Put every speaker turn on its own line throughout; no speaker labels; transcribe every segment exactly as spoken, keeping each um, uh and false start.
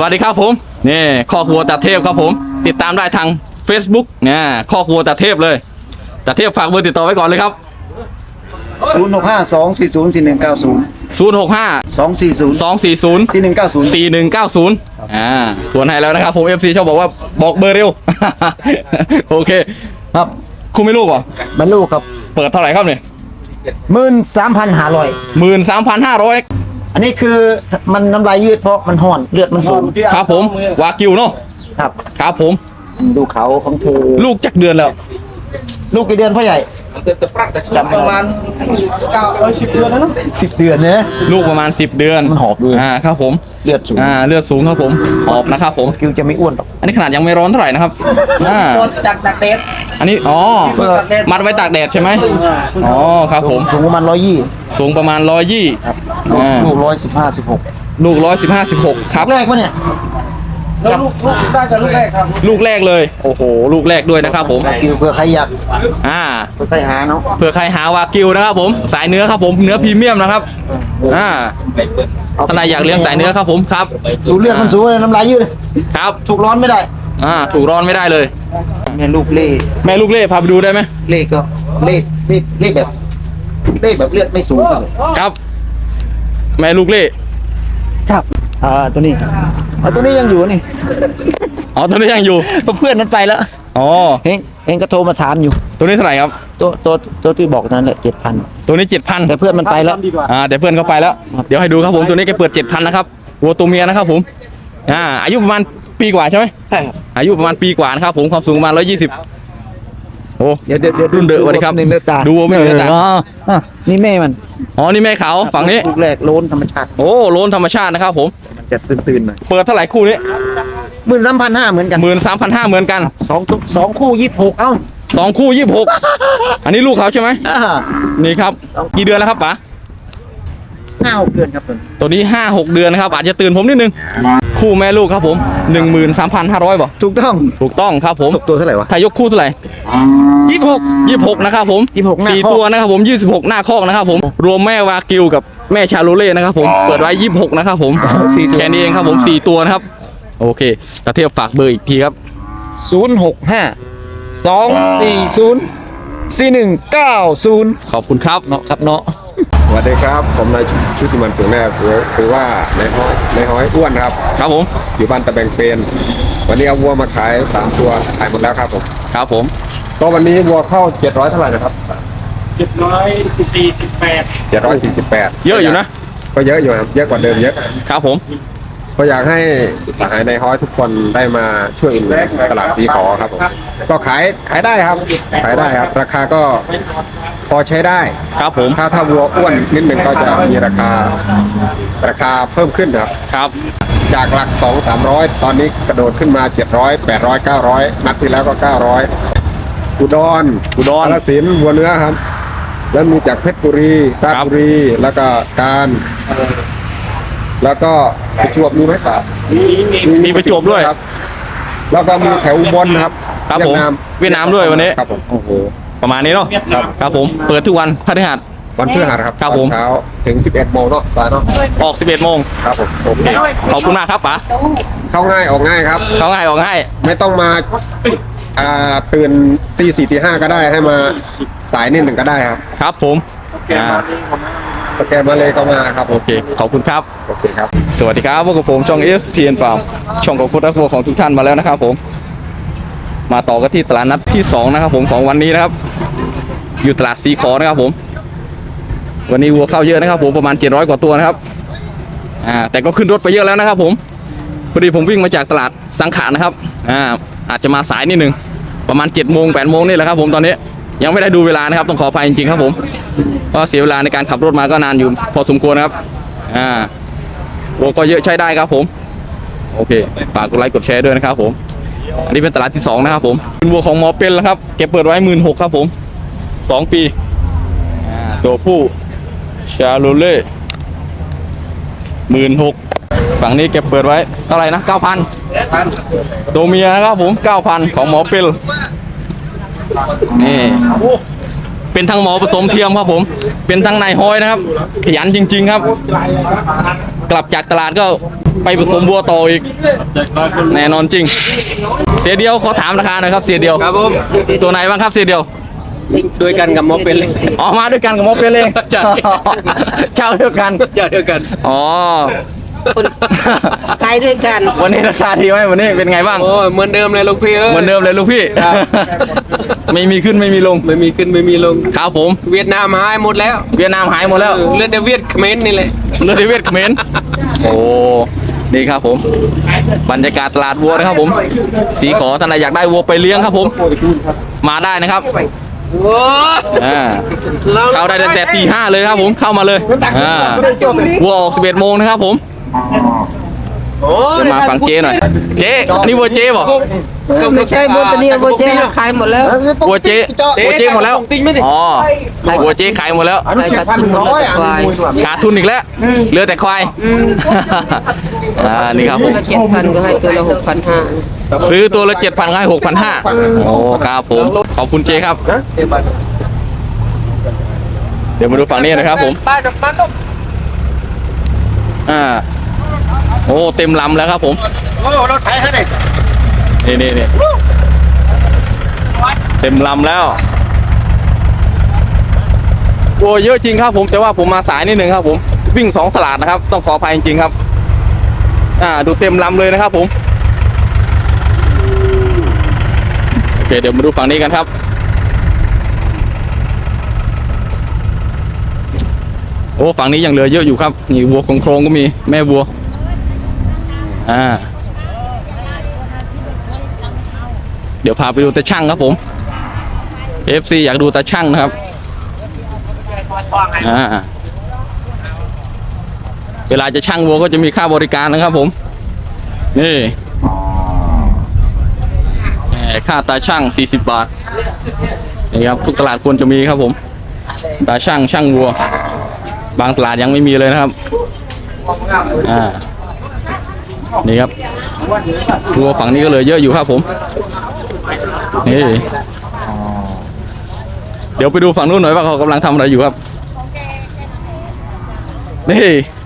วัสดีครับผมนี่ข้อครัวตาเทพครับผมติดตามได้ทาง Facebook เนี่ยข้อครัวตาเทพเลยตาเทพฝากเบอร์ติดต่อไว้ก่อนเลยครับ
ศูนย์หกห้าสองสี่ศูนย์สี่หนึ่งเก้าศูนย์
ศูนย์ หก ห้า
สองสี่ศูนย์
สอง สี่ ศูนย์
สี่หนึ่งเก้าศูนย์
สี่ หนึ่ง เก้า ศูนย์อ่าทวนให้แล้วนะครับผม เอฟ ซี ชอบบอกว่าบอกเบอร์เร็ว โอเค
ครับ
คุณไม่ลูกเหรอ
มันลูกครับ
เปิดเท่าไหร่ครับเนี่ย
หมื่นสามพันห้าร้อย
หมื่นสามพันห้าร้อย
อันนี้คือมันน้ำลายยืดเพราะมันห่อนเลือดมันสูง
ครับผมวากิวเนาะ
ครับ
ครับผม
ดูเขาของเธอ
ลูกจักเดือนแล้ว
ลูกกี่เดือนพ่อใหญ่ประมาณเก้าสิบเดือนแล้วเนาะสิบเดือนเนี่ย
ลูกประมาณสิบเดือน
มันหอบเลย
อ่าครับผม
เลือดสูง
อ่าเลือดสูงครับผมหอบนะครับผม
คิวจะไม่อ้วนหรอก
อันนี้ขนาดยังไม่ร้อนเท่าไหร่นะครับอ่า
จากตากแดด
อันนี้อ๋อมัดไว้ตากแดดใช่ไหมอ๋อครับผม
สูงประมาณร้อยยี่
สูงประมาณร้อยยี่
ลูกร้อยสิบห้าสิบหก
ลูกร้อยสิบห้าสิบหกครับ
แรกวะเนี่ย
แล้วลูกลูกได้กับลูกแรกครับ
ลูกแรกเลยโอ้โหลูกแรกด้วยนะครับผม
กิวเผื่อใครอยาก
อ่า
เผื่อใครหาเนาะ
เผื่อใครหาวากิวนะครับผมสายเนื้อครับผมเนื้อพรีเมียมนะครับอ่าท่านใดอยากเลี้ยงสายเนื้อครับผมครับ
สูเลือดมันสูงเลยน้ำลายยืด
ครับ
ถูกร้อนไม่ได้
อ่าถูกร้อนไม่ได้เลย
แม่ลูกเล่
แม่ลูกเล่พาไปดูได้ไหม
เล่ก็เล่เล่เล่แบบเล่แบบเลือดไม่สูง
ครับแม่ลูกเล่
ครับอ่าตัวนี้อ๋อตัวนี้ยังอยู่นี่
อ๋อตัวนี้ยังอยู่
เพื่อนนั้นไปแล้ว
อ๋อ
เฮงเฮงก็โทรมาถามอยู่
ตัวนี้เท่าไหร่ครับ
ตัวตัวตัวที่บอกนั้นแหละเจ็ดพัน
ตัวนี้เจ็ดพัน
แต่เพื่อนมันไปแล้ว
อ่าแต่เพื่อนเขาไปแล้วเดี๋ยวให้ดูครับผมตัวนี้แกเปิดเจ็ดพันนะครับวัวตัวเมียนะครับผมอ่าอายุประมาณปีกว่าใช่ไหม
ใช่ครับ
อายุประมาณปีกว่านะครับผมความสูงประมาณร้อยยี่สิบโอ้
เดี๋ยวเดี๋ยว
รุ่นเดือดวันนี้ครับดูไม่เห็นตา
อ๋อนี่แม่มัน
อ๋อนี่แม่เขาฝั่งนี้
ลูกแรกโลนธรรมชาติ
โอ้โลนธรรมชาตินะครับผม
มันจะตื่นๆหน่อย
เปิดเท่าไหร่คู่นี้
หมื่นสามพันห้าเหมือนกัน
หมื่นสามพันห้าเหมือนกัน
สองสองคู่ยี่สิบหกเอ้า
สองคู่ยี่สิบหกอันนี้ลูกเขาใช่ไหมนี่ครับกี่เดือนแล้วครับป๋า
ห้าหกเดือนครับ
ตัวนี้ห้าหกเดือนนะครับอาจจะตื่นผมนิดนึงคู่แม่ลูกครับผมหนึ่งหมื่นสามพันห้าร้อยบ่
ถูกต้อง
ถูกต้องครับผม
ตัวเท่าไหร่วะ
ถ้ายกคู่เท่าไหร่
ยี่สิบหก
ยี่สิบหกนะครับผม
ยี่สิบหก
สี่ตัวนะครับผมยี่สิบหกหน้าคอกนะครับผมรวมแม่วากิวกับแม่ชาโลเล่นะครับผมเปิดไว้ยี่สิบหกนะครับผมแค่นี้เองครับผมสี่ตัวนะครับโอเคตาเทียบฝากเบอร์อีกทีครับ
ศูนย์หกห้าสองสี่ศูนย์สี่หนึ่งเก้าศูนย์
ขอบคุณครับ
เนาะครับเนาะ
สวัสดีครับผมนายชุติมันเสืองแนบหรือว่าในห้อยในห้อยอ้วนครับ
ครับผม
อยู่บ้านตะแบงเป็นวันนี้เอาวัวมาขายสามตัวขายหมดแล้วครับผม
ครับผม
ก็วันนี้วัวเข้าเจ็ดร้อยเท่าไหร่นะครับ
เจ็ดร้อยสี่สิบแปด
เจ็ดร้อยสี่สิบแปด
เยอะอยู่นะ
ก็เยอะอยู่ครับเยอะกว่าเดิมเยอะ
ครับผม
ก็อยากให้สหายในห้อยทุกคนได้มาช่วยอุดหนุนตลาดสีขอครับผมก็ขายขายได้ครับขายได้ครับราคาก็พอใช้ได้
ครับผม
ถ้าถ้าวัวอ้วนนิดหนึ่งก็จะมีราคาราคาเพิ่มขึ้นครับ
ครับ
จากหลักสองสามร้อยตอนนี้กระโดดขึ้นมาเจ็ดร้อยแปดร้อยเก้าร้อยนัดที่แล้วก็เก้าร้อยอุดร
อุดร
กาฬสินธุ์วัวเนื้อครับแล้วมีจากเพชรบุรีราชบุรีแล้วก็การแล้วก็ประจวบมีไหมครับ
มีประจวบด้วย
ครับแล้วก็มีแถวอุบลครับ
ครับผมเวียดนามด้วยวันนี้
ครับผมโอ้โห
ประมาณนี้เนาะครับผมเปิดทุกวันพฤหัส
วันพฤหัสครับ
ครับผม
เช้าถึงสิบเอ็ดโมงเนาะตาเนาะ
ออกสิบเอ็ดโมง
ครับผมโอเค
ขอบคุณมากครับป๋า
เข้าง่ายออกง่ายครับ
เข้าง่ายออกง่าย
ไม่ต้องมาอ่าตื่นตีสี่ตีห้าก็ได้ให้มาสายนิดหนึ่งก็ได้ครับ
ครับผม
สแกนมาเลยก็มาครับ
โอเคขอบคุณครับ
โอเคครับ
สวัสดีครับพวกกับผมช่อง เอฟ ที เอ็น Farm ช่องของคุณรักวัวของทุกท่านมาแล้วนะครับผมมาต่อกันที่ตลาดนัดที่สองนะครับผมของวันนี้นะครับอยู่ตลาดสีขอนะครับผมวันนี้วัวเข้าเยอะนะครับผมประมาณเจ็ดร้อยกว่าตัวนะครับอ่าแต่ก็ขึ้นรถไปเยอะแล้วนะครับผมพอดีผมวิ่งมาจากตลาดสังขารนะครับอ่าอาจจะมาสายนิดนึงประมาณเจ็ดโมงแปดโมงนี่แหละครับผมตอนนี้ยังไม่ได้ดูเวลานะครับต้องขออภัยจริงๆครับผมเพราะเสียเวลาในการขับรถมาก็นานอยู่พอสมควรครับอ่าวัวก็เยอะใช้ได้ครับผมโอเคฝากกดไลค์กดแชร์ด้วยนะครับผมอันนี้เป็นตลาดที่สองนะครับผมเป็นวัวของหมอเป็นแล้วครับเก็บเปิดไว้หมื่นหกครับผมสองปีอ่าตัวผู้ชาโลเล่หมื่นหกฝั่งนี้เก็บเปิดไว้เท่าไหร่นะเก้าพันตัวเมียนะครับผมเก้าพันของหมอเป็นนี่เป็นทั้งหมอผสมเทียมครับผม เป็นทั้งนายห้อยนะครับ ขยันจริง ๆครับ กลับจากตลาดก็ไปผสมวัวต่ออีก แน่นอนจริง เสียเดียวขอถามราคาหน่อยครับเสียเดียว
ครับผม
ตัวไหนบ้างครับเสียเดียว
ด้วยกันกับมอเป็นเลย
อ๋อมาด้วยกันกับหมอเป็นเลย
ใช่
เจ้าเดียวกัน
เจ้าเดียวกัน
อ๋อ
ขายด้วยกัน
วันนี้ราคาดีไหมวันนี้เป็นไงบ้าง
โอ้ยเหมือนเดิมเลยลูกพี่เอ้ย
เหมือนเดิมเลยลูกพี่
ครับ
ไม่มีขึ้นไม่มีลง
ไม่มีขึ้นไม่มีลง
ครับผม
เวียดนามหายหมดแล้ว
เวียดนามหายหมดแล้ว
เออเหลือดแต่เวียดเขมรนี่แหละ
เลือดเวียดเขมรโอ้นี่ครับผม บรรยากาศตลาดวัวนะครับผม สีขอท่านใดอยากได้วัวไปเลี้ยงครับผม มาได้นะครับ
โอ้ย
อ่าเข้าได้ตั้งแต่ตีห้าเลยครับผมเข้ามาเลยอ่าวัวออกสิบเอ็ดโมงนะครับผม
โอ้ย
เดี๋ยวมาฟังเจ๊หน่อย เจ๊อันนี้วัวเจ๊บอก
ไม่ใช่โบตเนียโบเจขายหมดแล้ว
วัวเจ๊วัวเจ๊หมดแล้ว
ติ๊งไม่ดิ
อ๋อวัวเจ๊ขายหมดแล้ว
อันนี้เจ็ดพันหนึ่งร้อยอ่ะ
ขาดทุนอีกแล้วเหลือแต่ควายอ่านี่ครับผม
เจ็ดพันก็ให้ตัวละหกพันห้า
ซื้อตัวละเจ็ดพันให้หกพันห้าโอ้ครับผม ขอบคุณเจครับ เดี๋ยวมาดูฝั่งนี้นะครับผม
ป้าดอกป้าดอก
อ่า โอ้เต็มลำแล้วครับผม
โอ้รถไถเขาเด็ก
นี่นี่นี่เต็มลำแล้ว โอ้เยอะจริงครับผมแต่ว่าผมมาสายนิดนึงครับผม วิ่งสองตลาดนะครับ ต้องขออภัยจริงๆครับ อ่า ดูเต็มลำเลยนะครับผม โอเคเดี๋ยวมาดูฝั่งนี้กันครับ โอ้ฝั่งนี้ยังเหลือเยอะอยู่ครับนี่วัวโครงๆก็มีแม่วัว อ่า เดี๋ยวพาไปดูตาช่างครับผม เอฟ ซี อยากดูตาช่างนะครับ อ่า เวลาจะช่างวัวก็จะมีค่าบริการนะครับผม นี่แหมค่าตาช่างสี่สิบบาท นี่ครับทุกตลาดควรจะมีครับผม ตาช่างช่างวัว บางตลาดยังไม่มีเลยนะครับ อ่า นี่ครับวัวฝั่งนี้ก็เลยเยอะอยู่ครับผม นี่ เดี๋ยวไปดูฝั่งนู้นหน่อยว่าเขากำลังทำอะไรอยู่ครับ นี่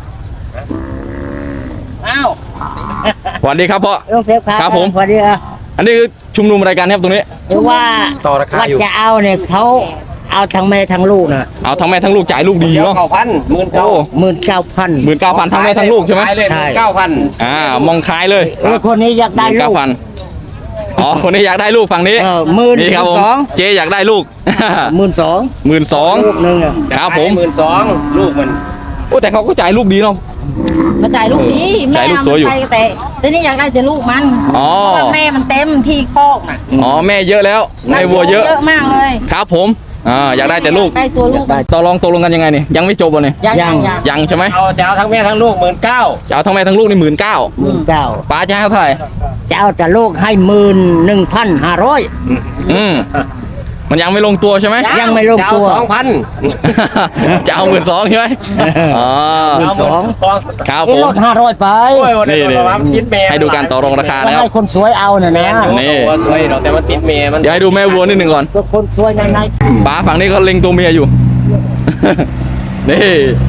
อ้าว
สวัสดีครับพ่อ
ลุงเซฟครับ
ครับผม
สวัสดีครับ
อันนี้คือชุมนุมอะไรกันครับตรงนี้
หรือว่า
ต่อราคา
ว่า
อยู่
จะเอาเนี่ยเขาเอาทั้งแม่ทั้งลูกนะ
เอาทั้งแม่ทั้งลูกจ่ายลูกดีเนาะ
เก้าพันหมื่น
โอ้
เก้า
หมื่นเก้าพัน
หมื่นเก้าพันทั้งแม่ทั้งลูกใช่ไหม
ขายเลย
ใช่
เก้าพัน
อ่ามองคล้ายเลย
เออคนนี้อยากได้
หมื่น
ลู
เก้าก พันอ๋อคนนี้อยากได้ลูกฝั่งนี้
เออหมื่น
นี่ครับผม
สอง
เจ๊อยากได้ลูก
หมื่นสอง
หมื่นสอง
ลูกหนึ่งอะ
ครับผม
หมื่นสองลูกมัน
โอ้แต่เขาก็จ่ายลูกดีเนาะ
มาจ่ายลูกนี้
จ่ายลูกสวยอยู่
แม่มันไปแต่แต่นี่อยากได้แต่ลูกมัน
อ๋อ
เพราะว่าแม่มันเต็มที่คอกน่ะ
อ๋อแม่เยอะแล้วแม่วัวเยอะ
เยอะมากเลย
ครับผมอ่าอยากได้แต่ลูก
ได้ตัวลูก
ต่อรองตกลงกันยังไงเนี่ยยังไม่จบเลย
ยังยังยัง
ยังใช่ไหม
เอาจะเอาทั้งแม่ทั้งลูกหมื่นเก้า
จะเอาทั้งแม่ทั้งลูกนี่หมื่นเก้า
หมื่นเก้า
ป้าจะให้เท่าไหร่
จะเอาแต่ลูกให้หมื่นหนึ่งพันห้าร้อย
อืมมันยังไม่ลงตัวใช่ไหม
ยังไม่ลง
จะเอา
ตัว
สองพัน
จะเอาหมื่นสองใช่ไหมอ๋อ
หมื่นสอง
ครับผ
นี่
ม
ลดห้าร้อยไป
นี่นี่ให้ดูการต่อรองราคา
ก็
นะครับ
ให้คนสวยเอาน่ะนะ
นี่
ตัวสวยเราแต่มันติดเมย์มัน
เดี๋ยวให้ดูแม่วัวนิดหนึ่งก่อน
ก็คนสวยในใน
ป้าฝั่งนี้เขาเล็งตัวเมียอยู่ นี่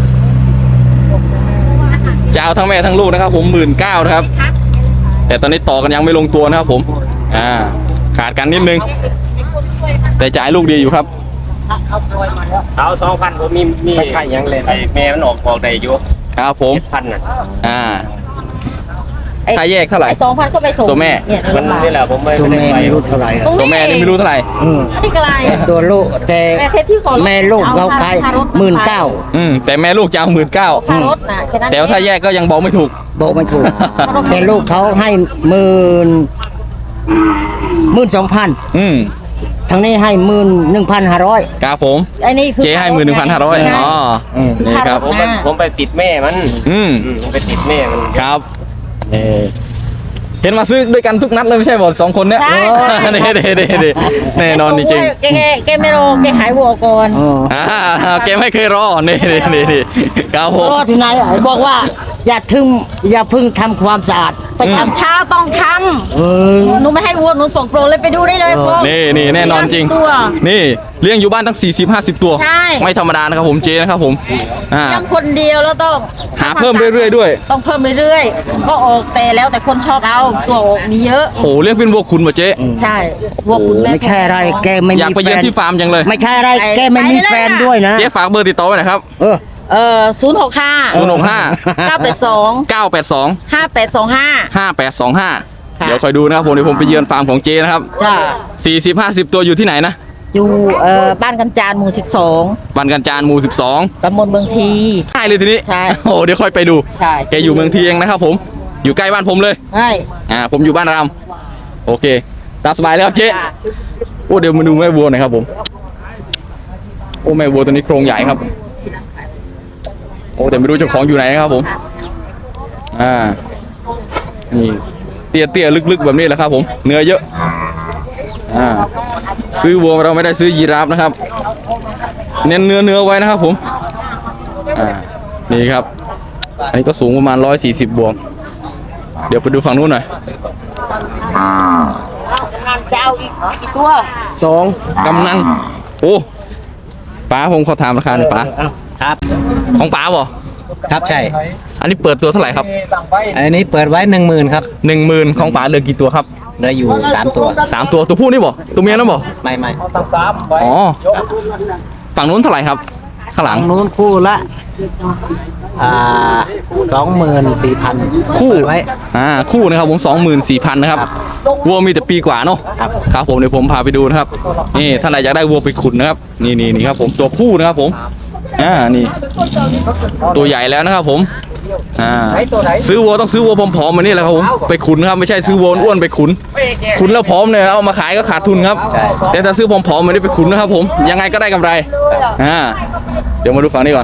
จะเอาทั้งแม่ทั้งลูกนะครับผมหมื่นเก้านะครับ แต่ตอนนี้ต่อกันยังไม่ลงตัวนะครับผม อ่า ขาดกันนิดนึง แต่จ่ายลูกดีอยู่ครับ
เอาสองพันผมมีมีใครยังเลยไอ้เมย์มันออกออกได้อยู่
ครับผม
เจ็ดพันน่ะ
อ่า
ไอ้
ค่าแยกเท่าไหร่
ไอ้สองพันก็ไปส่ง
ตัวแม่
เนี่ย
มันนี่แหละผมไม่
ตัว
ได้
แม่
ไป
ไม่รู้เท่าไหร่อะ
ตัวแม่นี่ไม่รู้เท่าไหร่
อืม
อันนี้ก็ไร
แต่ตัวลูกแต่
แม่เทสที่ขอรถ
แม่ลูกเขาขาย
เอาค่ารถ
หมื่นเก้า
อืม แต่แม่ลูกจะเอาหมื่นเก้า
ค่ารถน่ะแค่นั้น
แต่ว่าถ้าแยกก็ยังบอกไม่ถูก
บอกไม่ถูก แต่ลูกเขาให้หมื่นหมื่นสองพัน
อืม
ทางนี้ให้หมื่นหนึ่งพันห้าร้อย
ครับผม
ไอ้นี่คือ
เจ๊ให้หมื่นหนึ่งพันห้าร้อยอ๋อ นี่ครับ
ผมไปผมไปติดแม่มัน
อืม
อืมผมไปติดแม่มัน
ครับนี่เห็นมาซื้อด้วยกันทุกนัดเลยไม่ใช่บอกสองคนเนี้ย
ใช่
เด้เด้เด้เด้แน่นอนจริง
แกแกแกไม่รอแกหายวัวก่อน
ๆอ่าเกมไม่เคยรอ นี่นี่นี่นี่ครับผม
รอที่ไหนอ่ะบอกว่าอย่าทึ่งอย่าเพึ่งทำความสะอาด
ไปทำเช้าต้องท
เออ
ำหนูไม่ให้วัวหนูส่งโปรเลยไปดูได้เลยโปร
นี่นี่แน่นอนจริง
ตัว
นี่เลี้ยงอยู่บ้านตั้งสี่สิบห้าสิบตัว
ใช่
ไม่ธรรมดานะครับผมเจนะครับผมอ่า
ยังคนเดียวแล้วต้อง
หาเพิ่มเรื่อยๆด้วย
ต้องเพิ่มเรื่อยๆก็ออกแต่แล้วแต่คนชอบเอาตัวออกมีเยอะ
โอ้เลี้ยงเป็นวัวคุณป่ะเจ๊
ใช่วัวคุณแม่
ไม่ใช่อะไรแกไม่
อยาก
มี
ไป
แฟ
เยือน
น
ที่ฟาร์มจังเลย
ไม่ใช่อะไรแกไม่มีแฟนด้วยนะ
เจ๊ฝากเบอร์ติดต่อไว้หน่อยครับ
เออ
เออศูนย์หกห้า
ศูนย์หกห้า
เก้าแปดสอง
เก้าแปดสอง
ห้าแปดสองห้า
ห้าแปดสองห้า
ค่ะ
เดี๋ยวคอยดูนะครับผมเดี๋ยวผมไปเยือนฟาร์มของเจนะครับ
จ้า
สี่สิบห้าสิบตัวอยู่ที่ไหนนะ
อยู่เอ่อบ้านกันจานหมู่สิบสอง
บันกันจานหมู่สิบสอง
ตำบลเมืองที
ใช่เลยทีนี้
ใช่
โอ้เดี๋ยวค่อยไปดู
ใช่
แกอยู่เมืองทีเองนะครับผมอยู่ใกล้บ้านผมเลย
ใช่
อ่าผมอยู่บ้านรามโอเคตามสบายเลยครับเจ๊โอ้เดี๋ยวมาดูแม่วัวหน่อยครับผมโอ้แม่วัวตัวนี้โครงใหญ่ครับโอ้เดี๋ยวไม่รู้เจ้าของอยู่ไหนนะครับผมอ่านี่เตี้ยเตี้ยๆลึกๆแบบนี้แหละครับผมเนื้อเยอะอ่าซื้อวัวเราไม่ได้ซื้อยีราฟนะครับเน้นเนื้อเนื้อไว้นะครับผมอ่านี่ครับอันนี้ก็สูงประมาณร้อยสี่สิบบวกเดี๋ยวไปดูฝั่งนู้นหน่อย
จะเอาอีกกี่ตัว
สอง
กำนันโอ้ป๋าผมขอถามราคาหน่อยป๋า
ครับ
ของป๋าบ่
ครับใช่
อันนี้เปิดตัวเท่าไหร่ครับ
อันนี้เปิดไว้หนึ่งหมื่นครับ
หนึ่งหมื่นของป๋าเหลือกี่ตัวครับ
เหลืออยู่สามตัว
สามตัวตัวผู้นี่บ่ตัวเมียนั่นบ่
ไม่ไม่
อ๋อฝั่งนู้นเท่าไหร่ครับข้างหลัง
นู้นคู่ละอ่าสองหมื่นสี่พัน
คู่
ไว้
อ่าคู่นะครับผมสองหมื่นสี่พันนะครับวัวมีแต่ปีกว่าเนาะ
ครับ
ครับผมเดี๋ยวผมพาไปดูนะครับนี่ถ้าไหนอยากได้วัวไปขุนนะครับนี่นี่นี่ครับผมตัวผู้นะครับผมอ่านี่ ตัวใหญ่แล้วนะครับผมอ่าซื้อวัวต้องซื้อวัวผอมๆมานี่แหละครับผมไปขุนครับไม่ใช่ซื้อวัวอ้วนไปขุนขุนแล้วผอมเนี่ยเอามาขายก็ขาดทุนครับแต่ถ้าซื้อผอมๆมานี่ไปขุนนะครับผมยังไงก็ได้กำไรอ่าเดี๋ยวมาดูฝั่งนี้ก่อน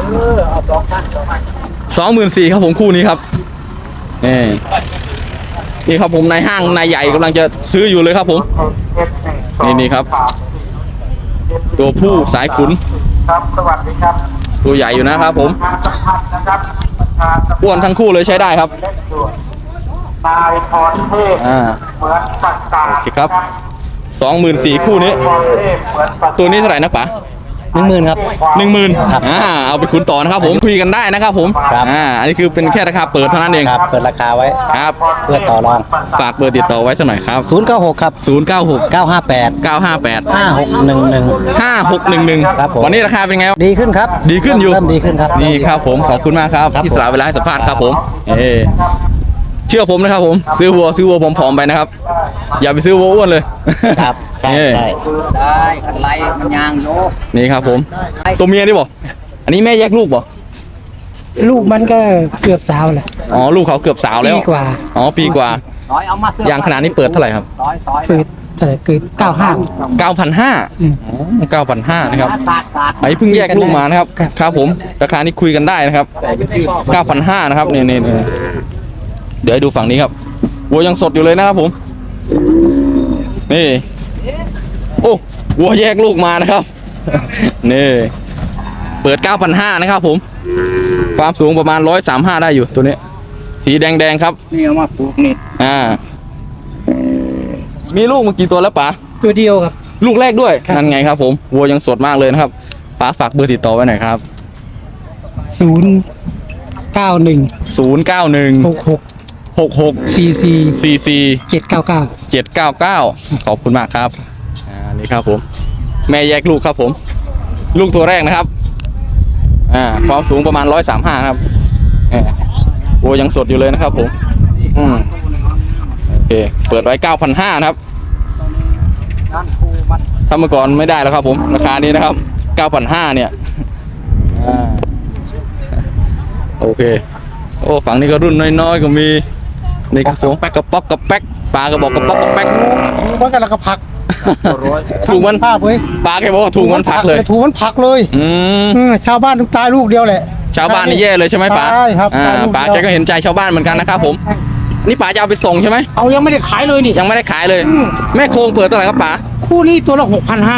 สองหมื่นสี่ครับผมคู่นี้ครับนี่นี่ครับผมนายห้างนายใหญ่กำลังจะซื้ออยู่เลยครับผมนี่นี่ครับ ตัวผู้สายขุน
ครับสวัสดีครับ
ตัวใหญ่อยู่นะครับผม
งานสำคัญนะครับ
อ้วนทั้งคู่เลยใช้ได้ครับ
เล็กด่วนนายพรเทพ
อ่า
เหมือนปากกา
โอเคครับสองหมื่นสี่คู่นี้
พรเทพเหมือนปากกา
ตัวนี้เท่าไหร่นะป๋า
หนึ่งหมื่นครับ
หนึ่งหมื่น
ครับ
อ่าเอาไปขุนต่อนะครับผมคุยกันได้นะครับผม
ครับ
อ่าอันนี้คือเป็นแค่ราคาเปิดเท่านั้นเอง
ครับเปิดราคาไว้
ครับ
เพื่อต่อรอง
ฝากเบอร์ติดต่อไว้สักหน่อยครับ
ศูนย์เก้าหกครับ
ศูนย์เก้าหก
เก้าห้าแปด
เก้าห้าแปด
ห้าหกหนึ่งหนึ่ง
ห้าหกหนึ่งหนึ่ง
ครับผม
วันนี้ราคาเป็นไงครับ
ดีขึ้นครับ
ดีขึ้นอยู่
เริ่มดีขึ้นครับ
นี่ครับผมขอบคุณมากครับ
ครับ
ที่สละเวลาให้สัมภาษณ์ครับผมเออเชื่อผมนะครับผมซื้อวัวซื้อวัวผอมๆไปนะครับ อย่าไปซื้อวัวอ้วนเลย
ครับใช่
เออ
ใช่
ได้กันไล่มันยางโย
นี่ครับผมตัวเมียนี่บ่อันนี้แม่แยกลูกบ่
ลูกมันก็เกือบสาวแหละ
อ๋อลูกเขาเกือบสาวแล้ว
ปีกว่า
อ๋อปีกว่า
ร้อยเอามาเสื้
ยางขนาดนี้เปิดเท่าไหร่ครับ
ร้อยร้อย
คือเท่าไหร่คือเก้าห้า
เก้าพันห้า
อืม
เก้าพันห้านะครับ
บาทบาท
ไอ้เพิ่งแยกลูกมานะครับ
ครับ
ครับผมราคานี้คุยกันได้นะครับเก้าพันห้านะครับนี่นี่นี่เดี๋ยวให้ดูฝั่งนี้ครับวัวยังสดอยู่เลยนะครับผมนี่โอ้วัวแยกลูกมานะครับนี่เปิดเก้าพันห้านะครับผมความสูงประมาณร้อยสามห้าได้อยู่ตัวนี้ สีแดงๆครับ
นี่เอามาปลูกนี่
อ่า มีลูกมากี่ตัวแล้วป๋า
ตัวเดียวครับ
ลูกแรกด้วย
ครับ
นั่นไงครับผมวัวยังสดมากเลยนะครับป๋าฝากเบอร์ติดต่อไว้หน่อยครับ
ศูนย์เก้าหนึ่ง
ศูนย์เก้าหนึ่ง
หกหก
หกหก
สี่สี่
สี่สี่
เจ็ดเก้าเก้า
เจ็ดเก้าเก้าขอบคุณมากครับอ่านี่ครับผม แม่แยกลูกครับผม ลูกตัวแรกนะครับอ่าความสูงประมาณร้อยสามห้าครับอ่าวัวยังสดอยู่เลยนะครับผมอืมโอเคเปิดไว้เก้าพันห้านะครับถ้าเมื่อก่อนไม่ได้แล้วครับผมราคานี้นะครับเก้าพันห้าเนี่ยอ่าโอเคโอ้ฝั่งนี้ก็รุ่นน้อยๆก็มีนี่ครับผมกระป๊อกกระแป๊กปลากระบอกกระป๊อกกระแป๊ก
มันกันแล้วก็ผัก
ถูกมัน
ภาพเว้ย
ปลาแกบอกว่าถูกมันพักเลย
ถูกมันผักเลย
อืม
เออชาวบ้านทุกตายลูกเดียวแหละ
ชาวบ้านนี่แย่เลยใช่ไหมป๋า
ใช่ครับ
อ่า
ตายลูก
ป๋า
เดี
แก
ยว
ก็เห็นใจชาวบ้านเหมือนกันนะครับผมนี่ป๋าจะเอาไปส่งใช่ไหม
เอายังไม่ได้ขายเลยนี่
ยังไม่ได้ขายเลย
อืม
แม่โครงเปิดเท่าไหร่ครับป๋า
คู่นี้ตัวละหกพันห้า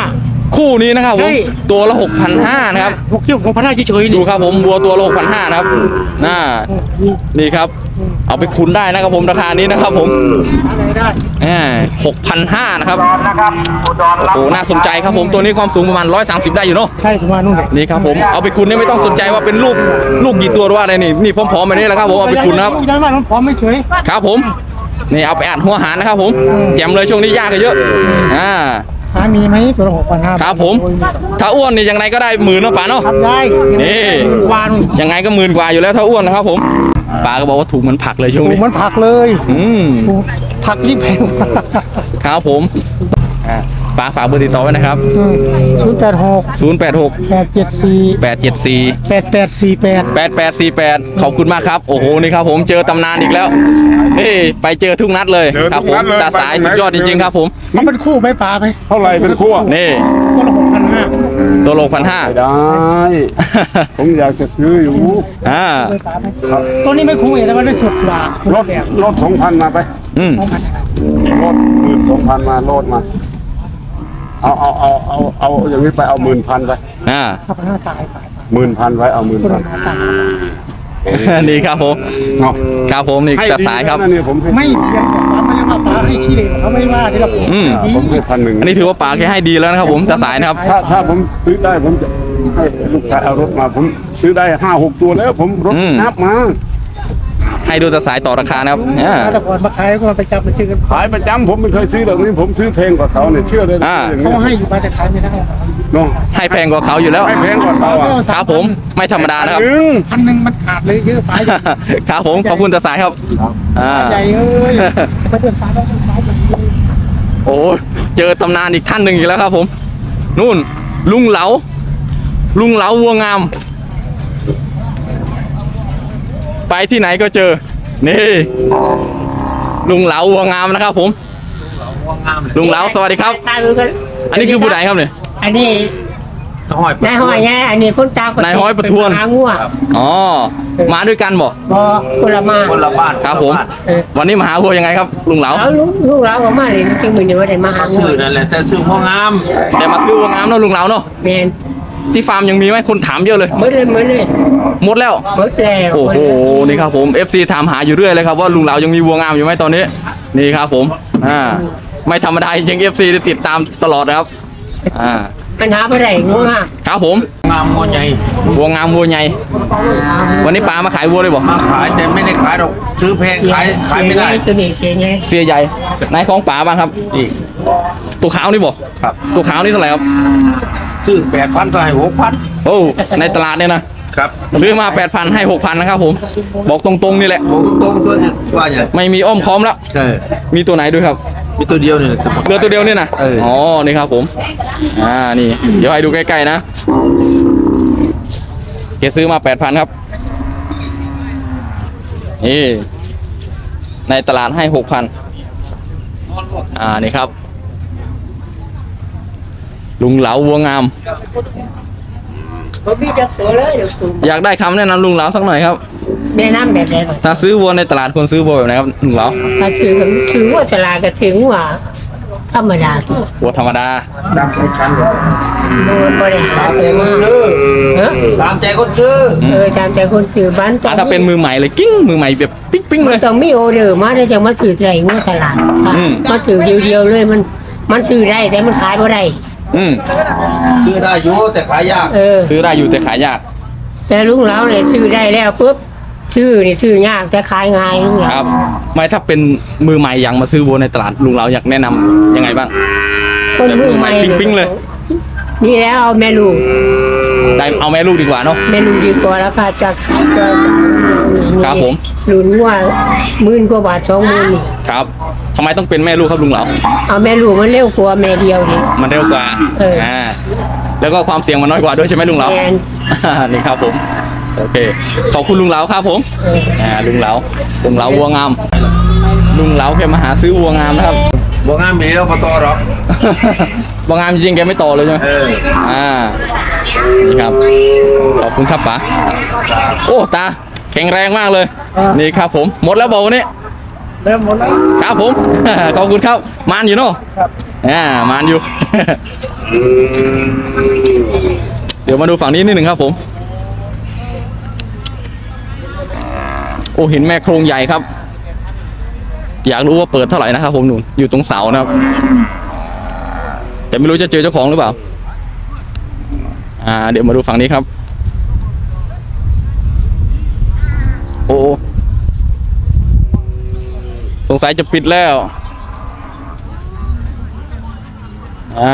คู่นี้นะครับผม
ใช่
ตัวละหกพันห้านะครับ
หกเที่ยวของพันห้าเฉยๆ
ดู
นี่
ครับผมวัวตัวละหกพันห้านะครับน่านี่ครับ เอาไปคุนได้นะครับผมราคานี้นะครับผม
อะไรได้
หกพันห้านะครับ
นะครับอุดร
โอ้โหน่าสนใจครับผมตัวนี้ความสูงประมาณร้อยสามสิบได้อยู่เนาะ
ใช่ประมาณนู้นเลย
นี่ครับผมเอาไปคุนนี่ไม่ต้องสนใจว่าเป็นลูกลูกกี่ตัวหรือว่าอะไรนี่นี่พร้อมๆแบบนี้แหละครับผมเอาไปคุนนะครับ
ย้ายบ้านมันพร้อมไม่เฉย
ครับผมนี่เอาไปอัดหัวหารนะครับผมแจมเลยช่วงนี้ยากกันเยอะอ่า
หามีไหมตัวละหกพันห้า
ครับผมถ้าอ้วนนี่ยังไงก็ได้หมื่นเนาะป๋าเนาะ
ทำได้
นี่
วาน
ยังไงก็หมื่นกว่าอยู่แล้วถ้าอ้วนนะครับผมป๋าก็บอกว่าถูกเหมือนผักเลยช่วง
ถู
นี้
กมันผักเลย
อืม
ถูกผักยิ่งแพง
ครับผมอ่าป๋าฝากเบอร์ติดต่อไว้นะครับ
ศูนย์แปดหก
ศูนย์ แปด หก
แปดเจ็ดสี่
แปด เจ็ด สี่
แปดแปดสี่แปด
แปด แปด สี่ แปดขอบคุณมากครับโอ้โหนี่ครับผมเจอตำนานอีกแล้วนี่ไปเจอทุกนัดเลยครับผมตาสายสุดยอดจริงๆครับผม
มันเป็นคู่ไหมปลาไหม
เท่าไหร่เป็นคู่
นี่
ตัวละหกพันห้า
ตัวโลพันห้า
ได้ ผมอยากจะซื้ออยู่
อ่า
ตัวนี้ไม่คุ้มเองแต่ว่าได้สุดกว่า
ลดลดสองพันมาไป
อืม
ลดหมื่นสองพันมาลดมา เอาเอาเอาเอาเอาอย่างนี้ไปเอาหมื่นพันไป
อ่า
ห้าพันห้าตายไป
หมื่นพันไว้เอาหมื่น
ตัว
พั
ละ
น
ห้าตาย
นี่ครับผม
เนาะ
ครับผมนี่
ให้
ตาสายครับ
ดีนะเนี่ยผมให้
ไม่เพียงแต่ว่าไม่ได้ว่าปลาให้ชี้เลยเขาไม่ว่าที่เรา
อืม
ผมให้พันหนึ่ง
อันนี้ถือว่าป๋าแค่ให้ดีแล้วนะครับผมตาสายนะครับ
ถ้าถ้าผมซื้อได้ผมจะให้ลูกชายเอารถมา ผมซื้อได้ห้าหกตัวแล้ว ผมรถ
อืม
นับมา
ให้ดูตาสายต่อราคานะครับอ่า
แต่ก่อนมาขายก็มาไปจับมาเจอกัน
ขายประจำผมไม่เคยซื้อแบบนี้ผมซื้อแพงกว่าเขาเนี่ยเชื่อเลยนะ
อ่า
อย่าง
เขา
นี้
ให้อยู่มาแต่ขายไม่ได้
เนาะ
ให้แพงกว่าเขาอยู่แล้ว
ให้แพงกว่าเขาอ่ะ
ครับผมไม่ธรรมดานะครับ
หนึ่ง
พันหนึ่งมันขาดเลยเยอะไป
ครับผมขอบคุณตาสายครับอ่า
ใหญ่เอ้ยไปเดินสายแล้วเดินสายแบบนี้
โอ้เจอตำนานอีกท่านหนึ่งอีกแล้วครับผมนู่นลุงเหลาลุงเหลาวัวงาม ไปที่ไหนก็เจอนี่ลุงเหลาวัวงามนะครับผมลุงเหลาสวัสดีครับ อันนี้คือผู้ใดครับเนี่ย
อันนี้นายหอยไงอันนี้คนตาคน
นายห้อยประทวน
หางัว
อ๋อมาด้วยกันบ่
บอคนละมาคนละบ้าน
ครับผม
เออ
วันนี้มาหาวัวยังไงครับลุงเหลา
แล้วลูกลูกเราก็มาเลยจริงมือนี้ว่าได้มาหางัว
ชื่อนั่นแหละแต่ชื่อพ่องาม
แต่มาซื้อวัวงามเนาะลุงเหลาเนาะ
แมน
ที่ฟาร์มยังมีไหมคนถามเยอะเลย
หมดเลยหมดเลย
หมดแล้ว
หมดแล้ว
โอ้โห นี่ครับผม เอฟ ซี ถามหาอยู่เรื่อยเลยครับว่าลุงเหลายังมีวัวงามอยู่ไหมตอนนี้ นี่ครับผม อ่า ไม่ธรรมดาจริง เอฟ ซี ติดตามตลอดนะครับ อ่า
ปัญหาอะไรงัวงาม
ครับผม
งามงวใหญ่
วัวงามวัวใหญ่ วันนี้ปลามาขายวัวเลยบอก
มาขายแต่ไม่ได้ขายหรอกซื้อแพง
เสีย
ขายขายไม่ได้
เสียตัวนี้เสียไง
เสียใหญ่ไหนของป๋าบ้างครับ
นี่
ตัวขาวนี่บอก
ครับ
ตัวขาวนี่เท่าไหร่ครับ
ซื้อแปดพันก็ให้หกพัน
โอ้ ในตลาดเนี่ยนะ
ครับ
ซื้อมา แปดพัน ให้ หกพัน นะครับผม บอกตรงๆนี่แหละ
บอกตรงๆตัวนี้ว่าอย่าง
ไม่มีอ้อมค้อมแล้ว
ใช่
มีตัวไหนด้วยครับ
มีตัวเดียวนี่แหละ
เรือตัวเดียวเนี่ยนะ
เอออ๋
อ๋อ นี่ครับผม อ่า นี่ เดี๋ยวให้ดูใกล้ๆนะเกซื้อมาแปดพันครับ นี่ ในตลาดให้หกพัน อ่า นี่ครับ ลุงเหลาวัวงาม
บ่มีจักตัวเลยเดี๋ยวคุณ
อยากได้คำแนะนำลุงเหลาสักหน่อยครับ
แนะนำแบบไหนก่อน
ถ้าซื้อวัวในตลาดควรซื้อวัวแบบไหนครับลุงเหลา
ถ้าถือถือว่าตลาดก็ถือว่าธรรมดาที่
วัวธรรมดา
โดนบริหารเลยว่า
ซื้อ
เออ
ตามใจคนซื้อ
เออตามใจคนซื้อบ้าน
อ่ะถ้าเป็นมือใหม่เลยกิ้งมือใหม่แบบปิ๊งปิ๊งๆเลย
ต้องมีโอเดอร์มาได้จังมาซื้อใจงัวตลาดค่ะ
อืม
มาซื้อเดียวๆเลยมันมันซื้อได้แต่มันขายบ่ได้
อืม
ซื้อได้อยู่แต่ขายยาก
เออ
ซื้อได้อยู่แต่ขายยาก
แต่ลุงเราเนี่ยซื้อได้แล้วปุ๊บซื้อนี่ซื้อยากแต่ขายง่ายลุง
ค
เรา
รับ ไม่ถ้าเป็นมือใหม่ยังมาซื้อวัวในตลาดลุงเราอยากแนะนำยังไงบ้าง
คนมือใหม่
แบบมือใหม่ปิ๊งๆเลย
นี่แล้วเอาแม่ลูก
ได้เอาแม่ลูกดีกว่าเนาะ
แม่ลูกดีกว่าราคาจากก็
ครับผม
หลุนว่าหมื่นกว่าบาทสองหมื่นนี่
ครับทำไมต้องเป็นแม่ลูกครับลุงเหลา
เอาแม่ลูกมันเร็วกว่าแม่เดียวนี่
มันเร็วกว่า
เอออ่
อ่าแล้วก็ความเสี่ยงมันน้อยกว่าด้วยใช่ไหมลุงเหลา
แมน
นี่ครับผมโอเคขอบคุณลุงเหลาครับผม
เออ
อ่าลุงเหลาลุงเหลาวัวงามลุงเหลาแกมาหาซื้อวัวงามนะครับ
บ่งามเดียวมาต่อหรอก
วัวงามจริงๆแกไม่ต่อเลยใช่ไหม
เออ
อ่านี่ครับขอบคุณครับป๋าโอ้ตาแข็งแรงมากเลย นี่ครับผมหมดแล้วบอกวันนี้
เริ่มหมดแล้ว
ครับผม ขอบคุณครับมานอยู่เนาะ
ครับ
อ่ามานอยู่ เดี๋ยวมาดูฝั่งนี้นิดหนึ่งครับผมโอ้เห็นแม่โครงใหญ่ครับอยากรู้ว่าเปิดเท่าไหร่นะครับผมหนุนอยู่ตรงเสานะครับแต่ไม่รู้จะเจอเจ้าของหรือเปล่าอ่าเดี๋ยวมาดูฝั่งนี้ครับโอ้สงสัยจะปิดแล้วอ่า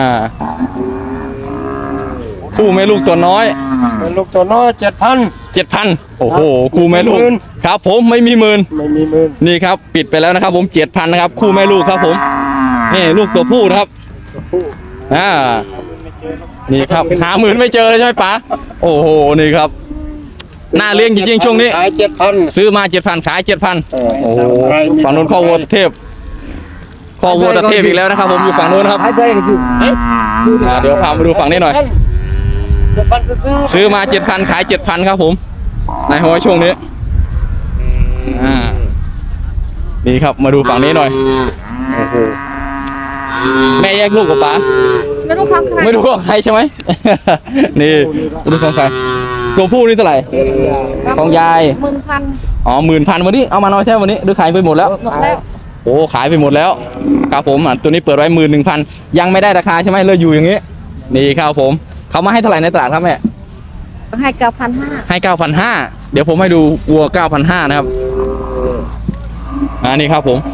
คู่แม่ลูกตัวน้อย
เป็นลูกตัวน้อยเจ็ดพัน
เจ็ดพันโอ้โหคู่แม่ลูก
หมื่น
ครับผมไม่มีหมื่น
ไม่มีหมื่น
นี่ครับปิดไปแล้วนะครับผมเจ็ดพันนะครับคู่แม่ลูกครับผมนี่ลูกตัวผู้นะครับอ่านี่ครับหาหมื่นไม่เจอเลยใช่ไหมป๋าโอ้โหนี่ครับน่าเลี้ยงจริงๆช่วงนี้
ขายเจ็ดพัน
ซื้อมาเจ็ดพันขายเจ็ดพัน
เออ
โอ้โหฝั่งนู้นข้อวัวเทพข้อวัวตะเทพอีกแล้วนะครับผมอยู่ฝั่งนู้นนะครับ
หายใจกันอยู่
อ่าเดี๋ยวพามาดูฝั่งนี้หน่อย
เจ็ดพันซื้อ
ซื้อมาเจ็ดพันขายเจ็ดพันครับผมในหัวช่วงนี้อ่านี่ครับมาดูฝั่งนี้หน่อยโอ้โหแม่แยกลูกกับป๋า
ไม่รู้ความใคร
ไม่รู้ของใครใช่ไหม นี่ไม่รู้ของใครตัวผู้นี่เท่าไหร่ของยาย
หมื่นพัน
อ๋อหมื่นพันวันนี้เอามาน้อยแค่วันนี้หรือขายไปหมดแล้ว
หมดแล้ว
โอ้ขายไปหมดแล้วครับผมอ่ะตัวนี้เปิดไว้หมื่นหนึ่งพันยังไม่ได้ราคาใช่ไหมเลยอยู่อย่างนี้นี่ครับผมเขามาให้เท่าไหร่ในตลาดครับแม่
ให้เก้าพันห้า
ให้เก้าพันห้าเดี๋ยวผมให้ดูวัวเก้าพันห้านะครับอ่านี่ครับผม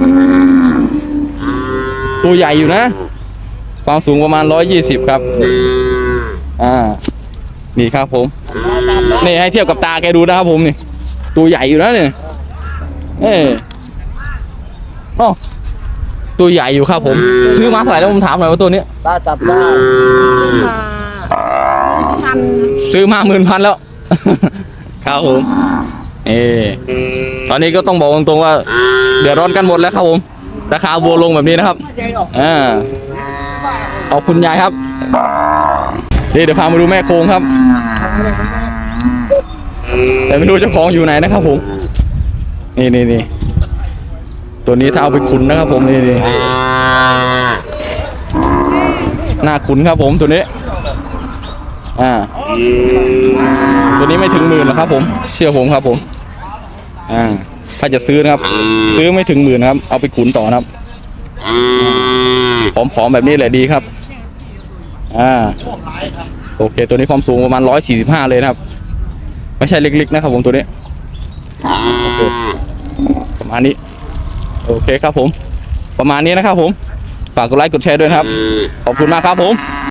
ตัวใหญ่อยู่นะความสูงประมาณร้อยยี่สิบครับอ่านี่ครับผมนี่ให้เทียบกับตาแกดูนะครับผมนี่ตัวใหญ่อยู่นะเนี่ยเอออ๋อตัวใหญ่อยู่ครับผมซื้อมาเท่าไหร่แล้วผมถามหน่อยว่าตัวนี้
ตาจับได้
มาพัน
ซื้อมาหมื่นพันแล้ว ครับผมเออตอนนี้ก็ต้องบอกตรงๆว่าเดือดร้อนกันหมดแล้วครับผมราคาวัวลงแบบนี้นะครับอ่าขอบคุณยายครับนี่เดี๋ยวพามาดูแม่โคงครับแต่ไม่รู้เจ้าของอยู่ไหนนะครับผมนี่นี่นี่ตัวนี้ถ้าเอาไปขุนนะครับผมนี่นี่หน้าขุนครับผมตัวนี้อ่าตัวนี้ไม่ถึงหมื่นหรอกครับผมเชื่อผมครับผมอ่าถ้าจะซื้อนะครับซื้อไม่ถึงหมื่นนะครับเอาไปขุนต่อนะครับผอมๆแบบนี้แหละดีครับอ่าโอเคตัวนี้ความสูงประมาณร้อยสี่สิบห้าเลยนะครับไม่ใช่เล็กๆนะครับผมตัวนี้โอเคประมาณนี้โอเคครับผมประมาณนี้นะครับผมฝากกดไลค์กดแชร์ด้วยนะครับขอบคุณมากครับผม